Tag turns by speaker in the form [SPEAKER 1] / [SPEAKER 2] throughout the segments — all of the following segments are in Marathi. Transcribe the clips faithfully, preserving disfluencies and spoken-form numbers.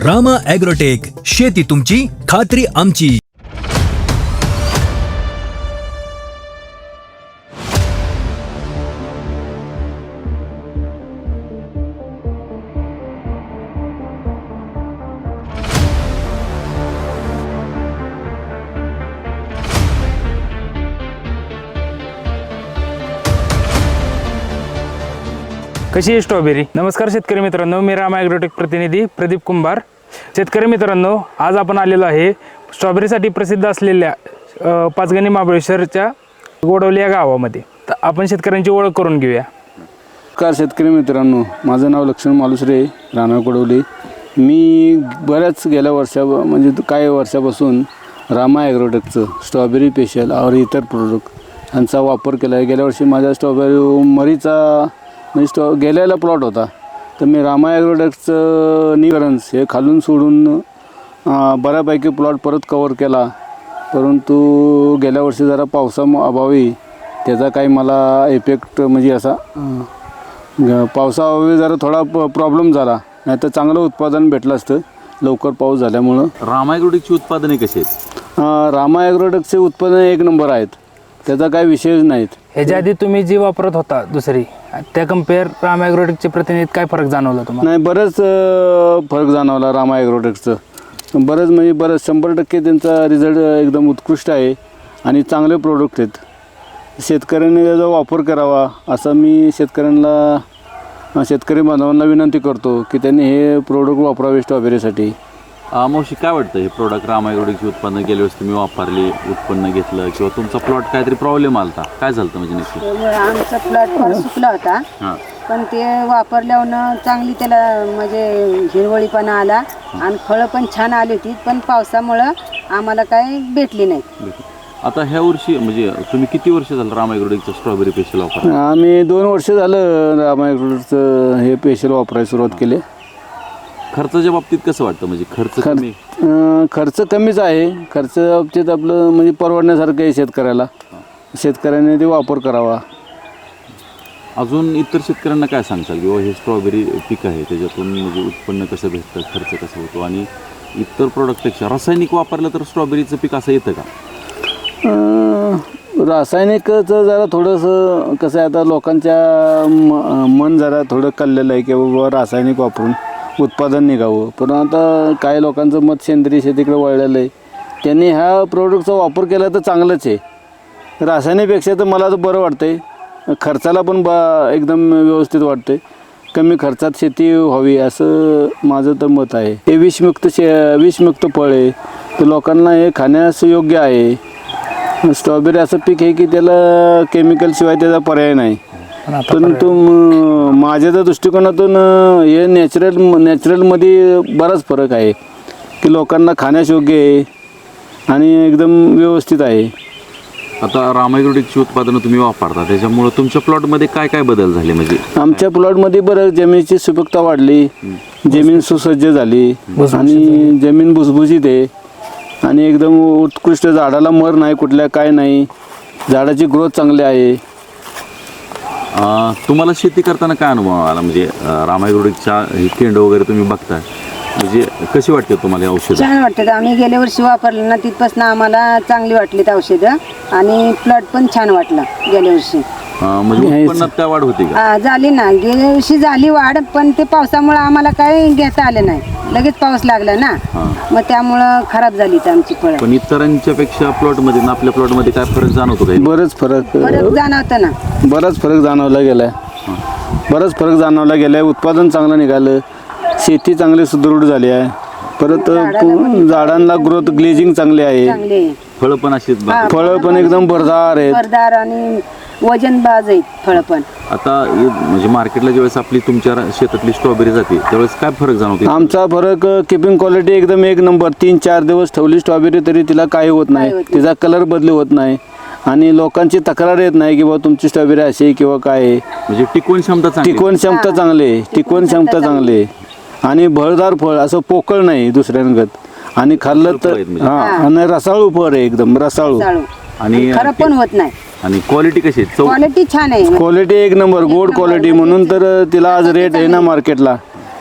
[SPEAKER 1] रामा ॲग्रोटेक, शेती तुमची, खात्री आमची.
[SPEAKER 2] कशी आहे स्ट्रॉबेरी? नमस्कार शेतकरी मित्रांनो, मी रामा ॲग्रोटेक प्रतिनिधी प्रदीप कुंभार. शेतकरी मित्रांनो, आज आपण आलेलो आहे स्ट्रॉबेरीसाठी प्रसिद्ध असलेल्या अ, पाचगणी महाबळेश्वरच्या गोडवली या गावामध्ये. तर आपण शेतकऱ्यांची ओळख करून घेऊया.
[SPEAKER 3] नमस्कार शेतकरी मित्रांनो, माझं नाव लक्ष्मण मालुसरे, राहणार गोडवली. मी बऱ्याच गेल्या वर्षा म्हणजे काही वर्षापासून रामा ॲग्रोटेकचं स्ट्रॉबेरी स्पेशल और इतर प्रोडक्ट यांचा वापर केला आहे. गेल्या वर्षी माझ्या स्ट्रॉबेरी मरीचा म्हणजे स्टॉ गेल्याला प्लॉट होता, तर मी रामा ॲग्रोटेकचं निवरन्स हे खालून सोडून बऱ्यापैकी प्लॉट परत कवर केला. परंतु गेल्या वर्षी जरा पावसा अभावी त्याचा काही मला इफेक्ट म्हणजे असा पावसाअभावी जरा थोडा प प्रॉब्लेम झाला. नाही तर चांगलं उत्पादन भेटलं असतं लवकर पाऊस झाल्यामुळं.
[SPEAKER 4] रामा ॲग्रोटेकची उत्पादने कशी आहेत?
[SPEAKER 3] रामा ॲग्रोटेकचे उत्पादन एक नंबर आहेत, त्याचा काही विषयच नाहीत.
[SPEAKER 2] ह्याच्या आधी तुम्ही जी वापरत होता दुसरी, त्या कम्पेअर रामा ॲग्रोटेकच्या प्रतिनिधीत काय फरक जाणवला तुम्हाला?
[SPEAKER 3] नाही, बरंच फरक जाणवला रामा ॲग्रोटेकचं. बरंच म्हणजे बरंच शंभर टक्के त्यांचा रिझल्ट एकदम उत्कृष्ट आहे आणि चांगले प्रोडक्ट आहेत. शेतकऱ्यांनी त्याचा वापर करावा असं मी शेतकऱ्यांना शेतकरी बांधवांना विनंती करतो की त्यांनी हे प्रोडक्ट वापरावे स्ट्रॉबेरीसाठी.
[SPEAKER 4] मावशी, काय वाटतं हे प्रोडक्ट रामा ॲग्रोटेकची उत्पन्न गेल्या वेळेस तुम्ही वापरली, उत्पन्न घेतलं किंवा तुमचा प्लॉट काहीतरी प्रॉब्लेम आला होता, काय झालं म्हणजे नक्की?
[SPEAKER 5] आमचा प्लॉट फार सुकला होता,
[SPEAKER 4] हां
[SPEAKER 5] पण ते वापरल्यावर चांगली त्याला म्हणजे हिरवळीपणा आला आणि फळं पण छान आली होती. पण पावसामुळं आम्हाला काही भेटली नाही.
[SPEAKER 4] आता ह्या वर्षी म्हणजे तुम्ही किती वर्ष झालं रामा ॲग्रोटेकचं स्ट्रॉबेरी स्पेशल वापर?
[SPEAKER 3] आम्ही दोन वर्ष झालं रामा ॲग्रोटेकचं हे स्पेशल वापरायला सुरुवात केली.
[SPEAKER 4] खर्चाच्या बाबतीत कसं वाटतं? म्हणजे खर्च कमी?
[SPEAKER 3] अं, खर्च कमीच आहे. खर्च बाबतीत आपलं म्हणजे परवडण्यासारखं आहे शेतकऱ्याला. शेतकऱ्याने ते वापर करावा.
[SPEAKER 4] अजून इतर शेतकऱ्यांना काय सांगताल किंवा हे स्ट्रॉबेरी पीक आहे त्याच्यातून म्हणजे उत्पन्न कसं भेटतं, खर्च कसा होतो आणि इतर प्रोडक्टपेक्षा रासायनिक वापरलं तर स्ट्रॉबेरीचं पीक असं येतं का?
[SPEAKER 3] रासायनिकचं जरा थोडंसं कसं आहे, आता लोकांच्या म मन जरा थोडं कललेलं आहे की बाबा रासायनिक वापरून उत्पादन निघावं. पण आता काही लोकांचं मत सेंद्रिय शेतीकडे वळलेलं आहे. त्यांनी ह्या प्रोडक्टचा वापर केला तर चांगलंच आहे. रासायनिकपेक्षा तर मला तर बरं वाटतं आहे. खर्चाला पण बा एकदम व्यवस्थित वाटतं आहे. कमी खर्चात शेती व्हावी असं माझं तर मत आहे. हे विषमुक्त शे विषमुक्त फळ आहे, तर लोकांना हे खाण्यास योग्य आहे. स्ट्रॉबेरी असं पीक आहे की त्याला केमिकलशिवाय त्याचा पर्याय नाही. परंतु माझ्या त्या दृष्टिकोनातून हे नॅचरल नॅचरलमध्ये बराच फरक आहे की लोकांना खाण्यास योग्य आहे आणि एकदम व्यवस्थित आहे.
[SPEAKER 4] आता रामा ॲग्रोटेकची उत्पादनं तुम्ही वापरता, त्याच्यामुळं तुमच्या प्लॉटमध्ये काय काय बदल झाले? म्हणजे
[SPEAKER 3] आमच्या प्लॉटमध्ये बरं जमिनीची सुपीकता वाढली, जमीन सुसज्ज झाली आणि जमीन भुसभुशीत आहे आणि एकदम उत्कृष्ट. झाडाला मर नाही, कुठल्या काय नाही, झाडाची ग्रोथ चांगली आहे.
[SPEAKER 4] तुम्हाला शेती करताना काय अनुभव आला? म्हणजे रामा ॲग्रोटेकच्या हे केंड वगैरे तुम्ही बघताय, म्हणजे कशी वाटते तुम्हाला औषध?
[SPEAKER 5] छान वाटतं. आम्ही गेल्या वर्षी वापरलं ना, तिथपासून आम्हाला चांगली वाटलीत औषधं आणि प्लॉट पण छान वाटलं गेल्या वर्षी.
[SPEAKER 4] म्हणजे उत्पन्नात काय वाढ होती का?
[SPEAKER 5] हा, झाली ना. गेल्या वर्षी झाली वाढ, पण ते पावसामुळे आम्हाला काही घेता आलं नाही. लगेच पाऊस लागला ना, मग त्यामुळं खराब झाली तर आमची फळं.
[SPEAKER 4] पण इतरांच्या पेक्षा प्लॉटमध्ये ना आपल्या प्लॉटमध्ये काय फरक जाणवतो का?
[SPEAKER 3] बरंच फरक
[SPEAKER 5] फरक जाणवतं ना.
[SPEAKER 3] बराच फरक जाणवला गेला आहे. बराच फरक जाणवला गेला आहे. उत्पादन चांगलं निघालं, शेती चांगली सुदृढ झाली आहे. परत झाडांना ग्रोथ ग्लेजिंग चांगली आहे.
[SPEAKER 5] चांगले
[SPEAKER 4] फळं पण अशी
[SPEAKER 3] फळं पण एकदम भरदार आहेत,
[SPEAKER 5] भरदार आणि वजन बाज आहेत फळं पण.
[SPEAKER 4] आता हे म्हणजे मार्केटला ज्यावेळेस आपली तुमच्या शेतातली स्ट्रॉबेरी जाते त्यावेळेस काय फरक जाणवतो?
[SPEAKER 3] आमचा फरक किपिंग क्वालिटी एकदम एक नंबर. तीन चार दिवस ठेवली स्ट्रॉबेरी तरी तिला काही होत नाही, तिचा कलर बदली होत नाही आणि लोकांची तक्रार येत नाही की बाबा तुमची स्ट्रॉबेरी अशी किंवा काय आहे.
[SPEAKER 4] म्हणजे टिकवण क्षमता चांगली,
[SPEAKER 3] टिकवण क्षमता चांगली आहे, टिकवण क्षमता चांगली आहे आणि भरदार फळ, असं पोकळ नाही दुसऱ्यांगत. आणि खाल्लं तर हा, आणि रसाळू फळ आहे, एकदम रसाळू
[SPEAKER 4] आणि
[SPEAKER 5] खरं पण होत नाही.
[SPEAKER 4] आणि क्वालिटी कशी आहे? चव
[SPEAKER 5] क्वालिटी छान आहे.
[SPEAKER 3] क्वालिटी एक नंबर, गोड क्वालिटी. म्हणून तर तिला आज रेट आहे ना मार्केटला.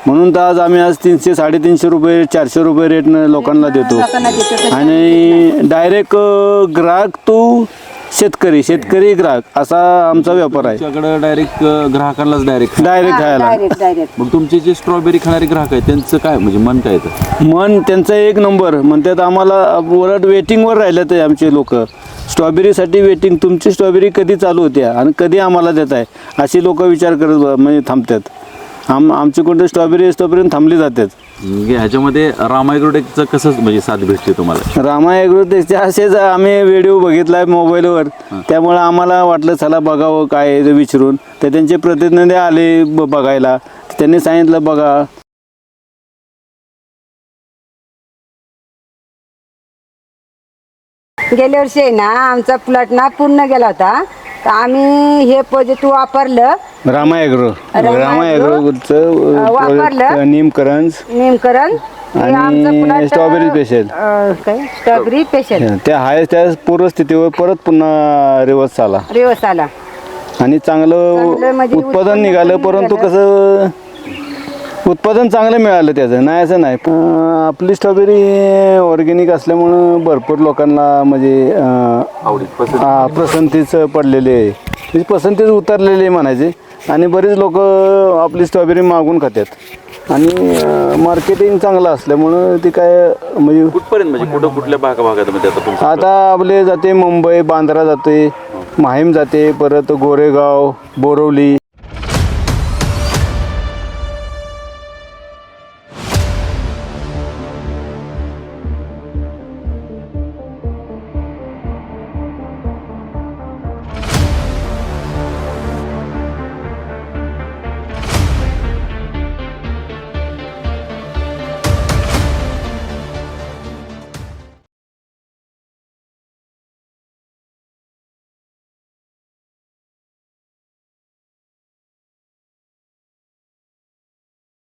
[SPEAKER 3] म्हणून तर आज आम्ही आज तीनशे साडेतीनशे रुपये चारशे रुपये रेटनं लोकांना देतो
[SPEAKER 5] लोकांना देतो तसं
[SPEAKER 3] आणि डायरेक्ट ग्राहक तू शेतकरी शेतकरी ग्राहक असा आमचा व्यापार आहे.
[SPEAKER 4] तुमच्याकडे डायरेक्ट ग्राहकांनाच डायरेक्ट
[SPEAKER 3] डायरेक्ट खायला
[SPEAKER 5] डायरेक्ट डायरेक्ट
[SPEAKER 4] मग तुमचे जे स्ट्रॉबेरी खाणारे ग्राहक आहेत त्यांचं काय म्हणजे मन काय येतं?
[SPEAKER 3] मन त्यांचा एक नंबर म्हणतात आम्हाला उलट वेटिंगवर राहिलं ते आमचे लोक स्ट्रॉबेरीसाठी वेटिंग तुमची स्ट्रॉबेरी कधी चालू होत्या आणि कधी आम्हाला देत आहे अशी लोक विचार करत ब- म्हणजे थांबतात. आम आमची कोणती स्ट्रॉबेरी असतोपर्यंत थांबली जातात.
[SPEAKER 4] म्हणजे ह्याच्यामध्ये रामायग्रोटेकचं कसं म्हणजे साथ भेटते तुम्हाला?
[SPEAKER 3] रामा ॲग्रोटेकचे असेच आम्ही व्हिडिओ बघितला आहे मोबाईलवर त्यामुळं आम्हाला वाटलं चला बघावं काय आहे ते विचारून तर त्यांचे प्रतिनिधी आले ब- बघायला त्यांनी सांगितलं बघा
[SPEAKER 5] गेल्या वर्षी आहे ना आमचा प्लॉट ना पूर्ण गेला होता तर आम्ही हे पॉझिटिव्ह वापरलं
[SPEAKER 3] रामा ॲग्रो
[SPEAKER 5] रामा
[SPEAKER 3] रामा
[SPEAKER 5] ॲग्रो,
[SPEAKER 3] ॲग्रोचं
[SPEAKER 5] अ, वापरलं.
[SPEAKER 3] निमकरंज
[SPEAKER 5] नेमकरण
[SPEAKER 3] आणि स्ट्रॉबेरी स्पेशल.
[SPEAKER 5] काय स्ट्रॉबेरी स्पेशल
[SPEAKER 3] त्या हाय त्या पूर्वस्थितीवर परत पुन्हा रिवर्स आला
[SPEAKER 5] रिवर्स आला
[SPEAKER 3] आणि चांगलं
[SPEAKER 5] चांगलं म्हणजे
[SPEAKER 3] उत्पादन
[SPEAKER 5] उत्पन्न
[SPEAKER 3] निघालं
[SPEAKER 5] पण
[SPEAKER 3] परंतु
[SPEAKER 5] निघालं.
[SPEAKER 3] कसं उत्पादन चांगलं मिळालं त्याचं नाही असं नाही अं, आपली स्ट्रॉबेरी ऑर्गॅनिक असल्यामुळं भरपूर लोकांना म्हणजे अं,
[SPEAKER 4] आवडीत पसंत
[SPEAKER 3] हा, पसंतीच पडलेली आहे म्हणजे पसंतीच उतरलेली आहे म्हणायचे आणि बरेच लोक आपली स्ट्रॉबेरी मागून खातात आणि मार्केटिंग चांगलं असल्यामुळं ती काय म्हणजे
[SPEAKER 4] कुठपर्यंत म्हणजे कुठं कुठल्या भागा भागामध्ये आता तुमचं
[SPEAKER 3] आता आपले जाते मुंबई बांद्रा जाते माहीम जाते परत गोरेगाव बोरवली